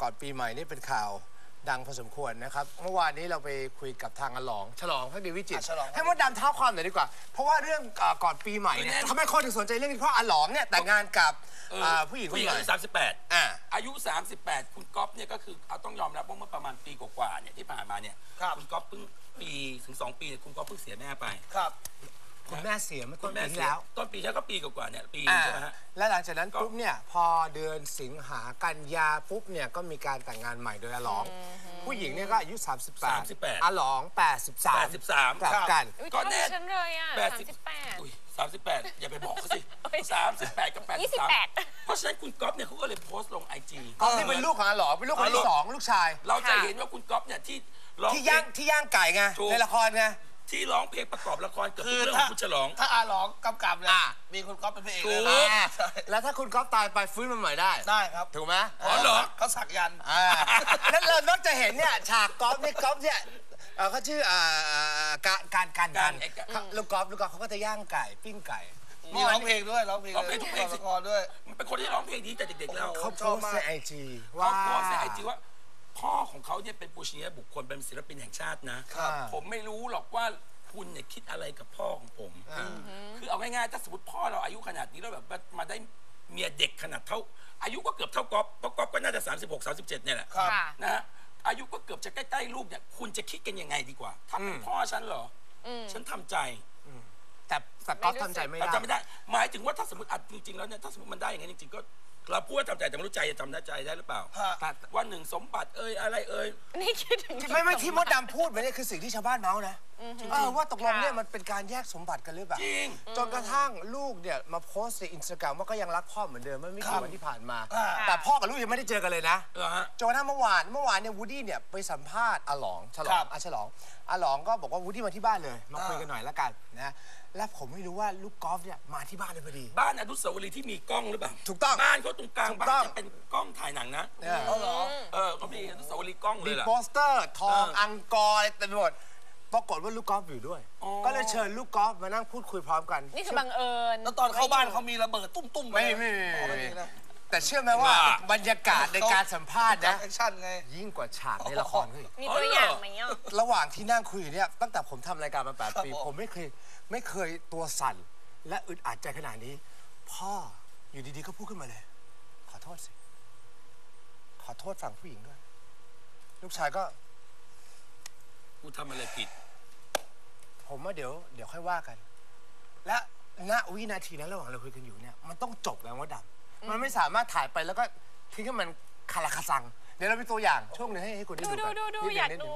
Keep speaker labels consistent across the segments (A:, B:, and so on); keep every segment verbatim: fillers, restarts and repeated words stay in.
A: ก่อนปีใหม่นี่เป็นข่าวดังพอสมควรนะครับเมื่อวานนี้เราไปคุยกับทางอลองฉลองพักดีวิจิตรให้มดดำเท้าความหน่อยดีกว่าเพราะว่าเรื่องก่อนปีใหม่เนี่ยทำไมคนถึงสนใจเรื่องนี้เพราะอลองเนี่ยแต่งงานกับผู้หญิงคนใหม่
B: อายุสามสิบแปดอายุสามสิบแปดคุณก๊อฟเนี่ยก็คือเอาต้องยอมรับว่าเมื่อประมาณปีกว่าๆเนี่ยที่ผ่านมาเนี่ยคุณก๊อฟเพิ่งปีถึงสองปีคุณก๊อฟเพิ่งเสียแม่ไป
A: ครับคุณแม่เสียเมื่อต้นปีที่แล้ว
B: ต้นปีใช่ก็ปีกว่าๆเนี่ยปีใช่ไหมฮะ
A: และหลังจากนั้นปุ๊บเนี่ยพอเดือนสิงหากันยาปุ๊บเนี่ยก็มีการแต่งงานใหม่โดยอลองผู้หญิงเนี่ยก็อายุสามสิบแปดอลองแปดสิบสาม
B: แปดสิบสาม
A: กลับกัน
C: ก็แน่ฉันเลยอ่ะ
B: แปดสิบแปดสามสิบแปดอย่าไปบอกเขาสิสามสิบแปดกับแปดสิบสามเพราะฉะนั้นคุณก๊อฟเนี่ยเขาก็เลยโพสต์ลงไอจี
A: ก๊อฟนี่เป็นลูกของอลองเป็นลูกคนที่สองลูกชาย
B: เราจะเห็นว่าคุณก๊อฟเนี่ยที่
A: ที่ย่างที่ย่างไก่ไงในละครไง
B: ที่ร้องเพลงประกอบละครเกือบทุกเรื่องของคุณฉลอง
D: ถ้าอาหลองกำกับเนี่ยมีคุณก๊อฟเป็นพระเอกเลยนะ
A: แล้วถ้าคุณก๊อฟตายไปฟื้นมาใหม่ได้
D: ได้ครับ
A: ถูกไหม
B: อ๋อเหรอ
D: เขาสักยัน
A: แล้วเรานอกจะเห็นเนี่ยฉากก๊อฟนี่ก๊อฟเนี่ยเขาชื่อการการการการลูกก๊อฟลูกก๊อฟเขาก็จะย่างไก่ปิ้งไก่
D: มีร้องเพลงด้วยร้องเพลง
B: ร้องเพลงทุกเพลง
D: ละครด้วย
B: มันเป็นคนที่ร้องเพลงดีแต่เด็กๆแล้ว
A: เขาโพสในไอจี
B: ว่าเขาโพสในไอจีว่าพ่อของเขาเนี่ยเป็นปูชนียบุคคลเป็นศิลปินแห่งชาตินะผมไม่รู้หรอกว่าคุณเนี่ยคิดอะไรกับพ่อของผมคือเอาง่ายๆถ้าสมมติพ่อเราอายุขนาดนี้แล้วแบบมาได้เมียเด็กขนาดเท่าอายุก็เกือบเท่าก๊อฟเพราะก๊อฟก็น่าจะสามสิบหก สามสิบเจ็ดเนี่ยแหละนะฮะอายุก็เกือบจะใกล้ๆลูกเนี่ยคุณจะคิดกันยังไงดีกว่าถ้าเป็นพ่อฉันเหรอฉันทำใจ
A: แต่แต่ก๊อฟทำใจไม่ได้
B: ทำไม่ได้หมายถึงว่าถ้าสมมติอัดจริงๆแล้วเนี่ยถ้าสมมติมันได้อย่างนั้นจริงๆก็เราพูดว่าทำใจแต่ไม่รู้ใจจะทำได้ใจได้หรือเปล่าวันหนึ่งสมบัติเอ้ยอะไรเอ้ย
C: นี่คิดถึง
A: ไม่ไม่ที่มดดำพูดไปนี่คือสิ่งที่ชาวบ้านเมาส์นะว่าตกลงเนี่ยมันเป็นการแยกสมบัติกันหรือเปล่า
B: จริง
A: จนกระทั่งลูกเนี่ยมาโพสต์ในอินสตาแกรมว่าก็ยังรักพ่อเหมือนเดิมไม่กี่วันที่ผ่านมาแต่พ่อกับลูกยังไม่ได้เจอกันเลยนะจนกระทั่งเมื่อวานเมื่อวานเนี่ยวูดดี้เนี่ยไปสัมภาษณ์อาหลองฉลองอาฉลองอาหลองก็บอกว่าวูดดี้มาที่บ้านเลยมาคุยกันหน่อยแล้วกันนะและผมไม่รู้ว่าลูกกอล์ฟเนี่ยมาที่บ้านเลยพอดี
B: บ้านอนุสาวรีย์ที่มีกล้องหรือเปล่า
A: ถูกต้อง
B: บ้านเขาตรงกลางบ้านจะเป็นกล้องถ่ายหนังนะ
A: เออเหรอ
B: เออเขามีอนุสาวรีย์กล้องเลยล่ะ
A: มีโปสเตอร์ทองอังกอร์อะไรเต็มไปหมดปรากฏว่าลูกกอล์ฟอยู่ด้วยก็เลยเชิญลูกกอล์ฟมานั่งพูดคุยพร้อมกัน
C: นี่คือบังเอิญ
D: แล้วตอนเข้าบ้านเขามีระเบิดตุ้มๆ
A: ไม่ไม่ไม่แต่เชื่อไหมว่าบรรยากาศในการสัมภาษณ์นะยิ่งกว่าฉากในละครเฮ้ย
C: มีตัวอย่างไหมอ่ะ
A: ระหว่างที่นั่งคุยเนี่ยตั้งแต่ผมทำรายการมาแปดปีผมไม่เคยไม่เคยตัวสั่นและอึดอัดใจขนาดนี้พ่ออยู่ดีๆก็พูดขึ้นมาเลยขอโทษสิขอโทษฝั่งผู้หญิงด้วยลูกชายก็
B: กูทำอะไรผิด
A: ผมว่าเดี๋ยวเดี๋ยวค่อยว่ากันและณวินาทีนั้นระหว่างเราคุยกันอยู่เนี่ยมันต้องจบแล้วว่าดับมันไม่สามารถถ่ายไปแล้วก็ทิ้งให้มันคาราคาซังเดี๋ยวเราไปตัวอย่างช่วงหนึ่งให้ให้คุณได้ดูกัน
C: ดูดูอยากดู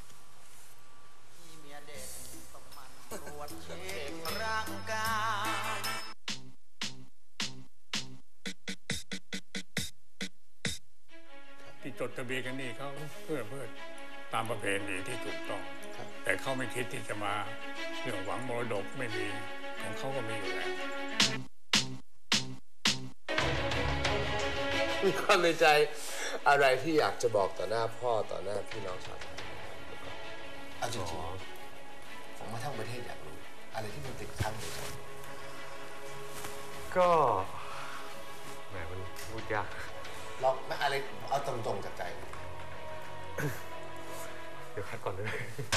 E: ที่จดทะเบียนกันนี่เขาเพื่อเพื่อตามประเพณีที่ถูกต้องแต่เขาไม่คิดที่จะมาเรื่องหวังมรดกไม่มีของเขาก็มีอยู่แล้ว
A: มีความในใจอะไรที่อยากจะบอกต่อหน้าพ่อต่อหน้าพี่น้องชาวไทยเอาจริงๆผมมาทั้งประเทศอยากรู้อะไรที่มันติดค้างอยู่ใจ
F: ก็แหมมันพูดยาก
A: ลองไม่อะไรเอาตรงๆจากใจ
F: เดี๋ยวคัดก่อนเลย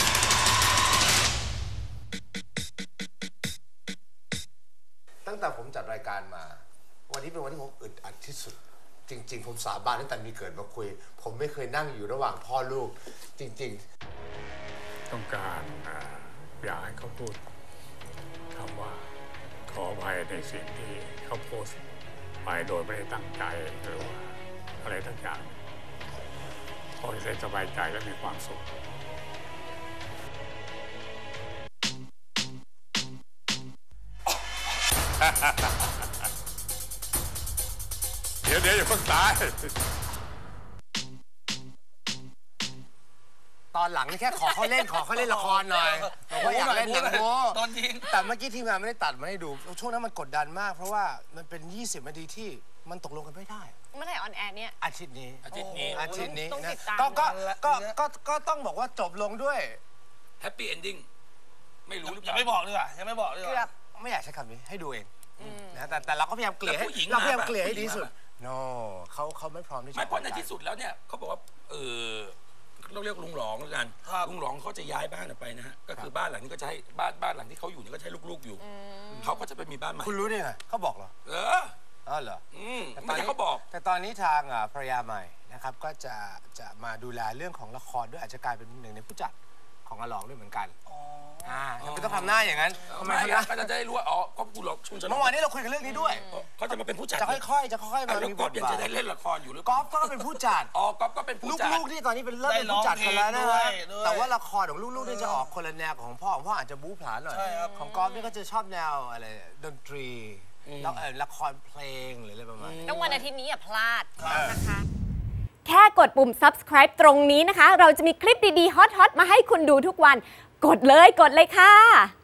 A: ตั้งแต่ผมจัดรายการมาวันนี้เป็นวันที่ผมอึดอัดที่สุดจริงๆผมสาบานตั้งแต่มีเกิดมาคุยผมไม่เคยนั่งอยู่ระหว่างพ่อลูกจริง
E: ๆต้องการอยากให้เขาพูดคำว่าขออภัยในสิ่งที่เขาโพสต์ไปโดยไม่ได้ตั้งใจหรือว่าอะไรทั้งอย่างพอจะได้สบายใจและมีความสุขเดี๋ยวเดี๋ยวอย่าเพิ่งตาย
A: ตอนหลังนี่แค่ขอเขาเล่นขอเขาเล่นละครหน่อยบอกว่าอยากเล่นหนังโป๊แต่เมื่อกี้ทีมงานไม่ได้ตัดมาให้ดูช่วงนั้นมันกดดันมากเพราะว่ามันเป็นยี่สิบนาทีที่มันตกลงกันไม่ได้
C: เมื่อไหร่ออนแอร์เนี่ย
A: อาทิตย์นี้
B: อาทิตย์นี้
A: อาทิตย์นี้
C: นะ
A: ก็ก็ก็ก็ก็ต้องบอกว่าจบลงด้วย
B: แฮปปี้เอนดิ้งไม่รู้หรือเปล่า
D: ยังไม่บอกดีกว่ายังไม่บอกดีกว่า
A: ไม่อยากใช้คำนี้ให้ดูเองนะแต่แต่เราก็พยายามเกลี่ยให้เราพยายามเกลี่ยให้ดีสุด no เขาเขาไม่พร้อมที่จะ
B: ไม่เพราะในที่สุดแล้วเนี่ยเขาบอกว่าเออเราเรียกลุงหลองแล้วกันลุงหลองเขาจะย้ายบ้านออกไปนะฮะก็คือบ้านหลังนี้ก็จะให้บ้านบ้านหลังที่เขาอยู่นี่ก็จะให้ลูกๆอยู่เขาก็จะไปมีบ้านใหม่
A: คุณรู้ได้ไงเขาบอกเหรอ
B: เออ
A: อ๋อเหรอ
B: อืม
A: แต่ต
B: ไม่
A: อน
B: ใช่
A: นี้
B: เขาบอก
A: แต่ตอนนี้ทางอ่าภรรยาใหม่นะครับก็จะจะมาดูแลเรื่องของละครด้วยอาจจะกลายเป็นหนึ่งในผู้จัดของอาหลองด้วยเหมือนกันอ่าทำไมต้องทำหน้าอย่างนั้นทำไม
B: ไม่
A: ทำหน้า
B: ก็จะได้รู้ว่าอ๋อก็กูหลอกชุนชน
A: เมื่อวานนี้เราคุยกันเรื่องนี้ด้วย
B: เขาจะมาเป็นผู้จัด
A: จะค่อยๆจะค่อยๆ
B: แล้
A: มาว มีบ
B: ก๊อฟ
A: ท
B: ยัง
A: บา
B: จะ
A: ท
B: ได้เล่นละครอยู่หรือก
A: อล์ฟก็เป็นผู้จัด
B: อ๋อก๊อฟก็เป็นผู้จัด
A: ลูกๆที่ตอนนี้เป็นเริ่มเป็นผู้จัดกันแล้วนะฮะแต่ว่าละครของลูกๆนี่จะออกคนละแนวของพ่อของพ่ออาจจะบู๊ผลาญหน่อยของกอล์ฟนี่ก็จะชอบแนวอะไรดนตรีแล้วเออละครเพลงหรืออะไรประมาณนี้
C: ต้องวันอาทิตย์นี้อย่าพลาดนะคะ
G: แค่กดปุ่ม subscribe ตรงนี้นะคะ เราจะมีคลิปดีๆ ฮอตๆ มาให้คุณดูทุกวัน กดเลย กดเลยค่ะ